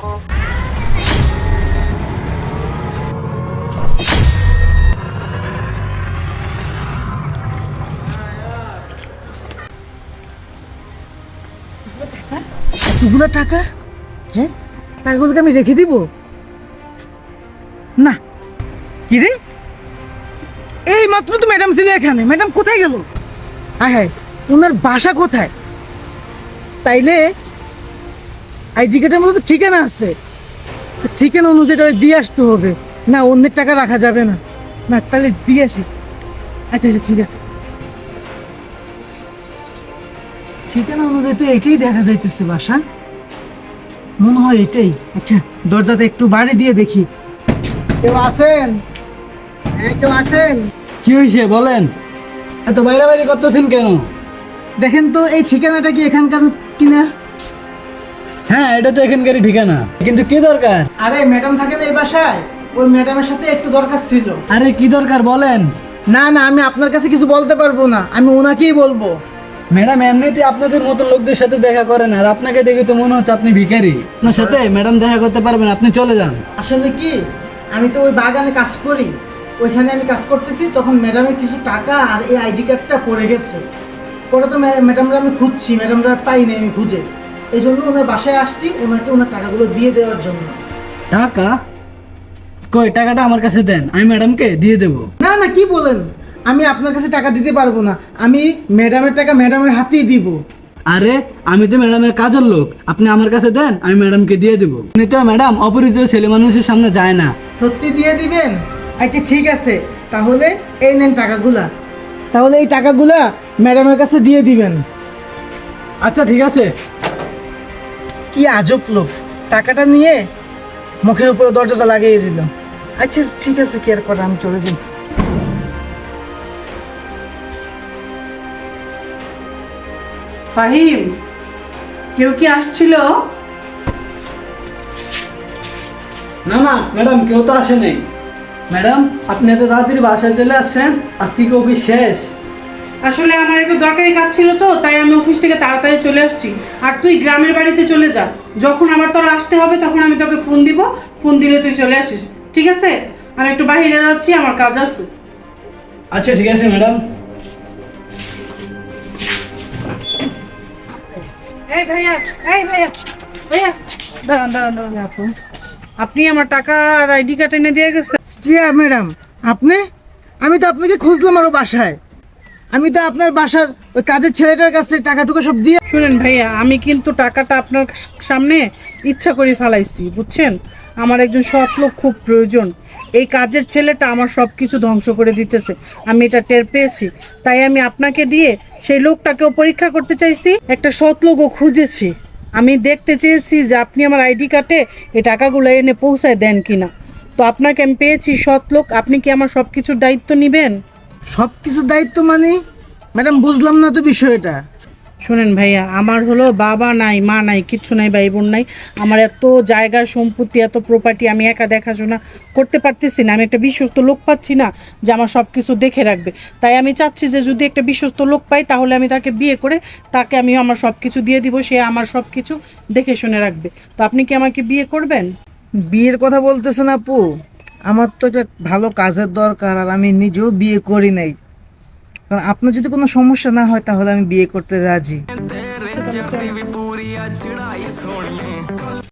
এতগুলো টাকা? হ্যাঁ, টাকাগুলোকে আমি রেখে দিব না? কি রে, এই মাত্র তো ম্যাডাম ছিল এখানে, ম্যাডাম কোথায় গেল? হ্যাঁ হ্যাঁ, ওনার বাসা কোথায়? তাইলে আইডি কার্ডের মধ্যে তো ঠিকানা আছে, ঠিকানা অনুযায়ী দিয়ে আসতে হবে। না, অন্যের টাকা রাখা যাবে না। না, তাহলে দিয়ে আসি। আচ্ছা আচ্ছা, ঠিক আছে। ঠিকানা অনুযায়ী তো এটাই দেখা যাইতেছে বাসা, মনে হয় এটাই। আচ্ছা, দরজাতে একটু বাড়ি দিয়ে দেখি। কেউ আছেন? হ্যাঁ, কেউ আছেন? কি হয়েছে বলেন? এত বাইরে বাইরে করতেছেন কেন? দেখেন তো এই ঠিকানাটা কি এখানকার কিনা? হ্যাঁ, এটা তো এখানকারই ঠিকানা, কিন্তু কি দরকার? আরে ম্যাডাম থাকেন এই বাসায়, ওই ম্যাডামের সাথে একটু দরকার ছিল। আরে কি দরকার বলেন? না না, আমি আপনার কাছে কিছু বলতে পারবো না, আমি ওনাকেই বলবো। ম্যাডাম এমনিতে আপনাদের মতো লোকদের সাথে দেখা করেন, আর আপনাকে দেখে তো মনে হচ্ছে আপনি ভিখারি। আপনার সাথে ম্যাডাম দেখা করতে পারবেন, আপনি চলে যান। আসলে কি, আমি তো ওই বাগানে কাজ করি, ওইখানে আমি কাজ করতেছি, তখন ম্যাডামের কিছু টাকা আর এই আইডি কার্ডটা পড়ে গেছে। পরে তো ম্যাডামরা আমি খুঁজছি, ম্যাডামরা পাইনি আমি খুঁজে, এই জন্য ওনার বাসায় আসছি, ওনাকে ওনার টাকাগুলো দিয়ে দেওয়ার জন্য। টাকা কই? টাকাটা আমার কাছে দেন, আমি ম্যাডামকে দিয়ে দেবো। না না, কি বলেন, আমি আপনার কাছে টাকা দিতে পারবো না, আমি ম্যাডামের টাকা ম্যাডামের হাতেই দিব। আরে আমি তো ম্যাডামের কাজের লোক, আপনি আমার কাছে দেন, আমি ম্যাডামকে দিয়ে দেবো। আপনি তো ম্যাডাম অপরিচিত ছেলে মানুষের সামনে যায় না। সত্যি দিয়ে দিবেন? আচ্ছা ঠিক আছে, তাহলে এই নেন টাকাগুলা, তাহলে এই টাকাগুলা ম্যাডামের কাছে দিয়ে দিবেন। আচ্ছা ঠিক আছে। কি আজব লোক, টাকাটা নিয়ে মুখের উপরে দরজাটা লাগিয়ে দিল। আচ্ছা ঠিক আছে, কি আর করা, আমি চলে যাই। ফাহিম, কেউ কি আসছিল? না না ম্যাডাম, কেউ তো আসে নাই। ম্যাডাম আপনি এত তাড়াতাড়ি বাসায় চলে আসছেন, আজকে কি অফিস শেষ? আসলে আমার একটু দরকারি কাজ ছিল তো, তাই আমি অফিস থেকে তাড়াতাড়ি চলে আসছি। আর তুই গ্রামের বাড়িতে চলে যা, যখন আমার তোর আসতে হবে তখন আমি তোকে ফোন দিব, ফোন দিলে তুই চলে আসিস, ঠিক আছে? আমি একটু বাইরে যাচ্ছি, আমার কাজ আছে। আচ্ছা ঠিক আছে ম্যাডাম। এই ভাইয়া, এই ভাইয়া, ভাইয়া দাঁড়ান দাঁড়ান দাঁড়ান আপু, আপনি আমার টাকা আর আইডি কার্ড এনে দিয়ে গেছেন? জি ম্যাডাম, আপনি? আমি তো আপনাকে খুঁজলাম আরো বাসায়, আমি তো আপনার বাসার ওই কাজের ছেলেটার কাছে টাকাটুকু সব দিয়ে। শুনেন ভাইয়া, আমি কিন্তু টাকাটা আপনার সামনে ইচ্ছা করে ফেলাইছি, বুঝছেন? আমার একজন সৎ লোক খুব প্রয়োজন, এই কাজের ছেলেটা আমার সব কিছু ধ্বংস করে দিতেছে, আমি এটা টের পেয়েছি, তাই আমি আপনাকে দিয়ে সেই লোকটাকেও পরীক্ষা করতে চাইছি, একটা সৎ লোকও খুঁজেছি। আমি দেখতে চেয়েছি যে আপনি আমার আইডি কার্ডে এই টাকাগুলো এনে পৌঁছায় দেন কিনা। তো আপনাকে আমি পেয়েছি সৎ লোক, আপনি কি আমার সব কিছুর দায়িত্ব নেবেন? সব কিছুর দায়িত্ব মানে? ম্যাডাম বুঝলাম না তো বিষয়টা। শোনেন ভাইয়া, আমার হলো বাবা নাই, মা নাই, কিচ্ছু নাই, ভাই বোন নাই, আমার এত জায়গা সম্পত্তি, এত প্রপার্টি, আমি একা দেখাশোনা করতে পারতেছি না, আমি একটা বিশ্বস্ত লোক পাচ্ছি না যে আমার সব কিছু দেখে রাখবে। তাই আমি চাচ্ছি যে যদি একটা বিশ্বস্ত লোক পাই তাহলে আমি তাকে বিয়ে করে তাকে আমি আমার সব কিছু দিয়ে দিব, সে আমার সব কিছু দেখে শুনে রাখবে। তো আপনি কি আমাকে বিয়ে করবেন? বিয়ের কথা বলতেছেন আপু, আমার তো একটা ভালো কাজের দরকার, আর আমি নিজেও বিয়ে করি নাই, কারণ আপনার যদি কোনো সমস্যা না হয় তাহলে আমি বিয়ে করতে রাজি।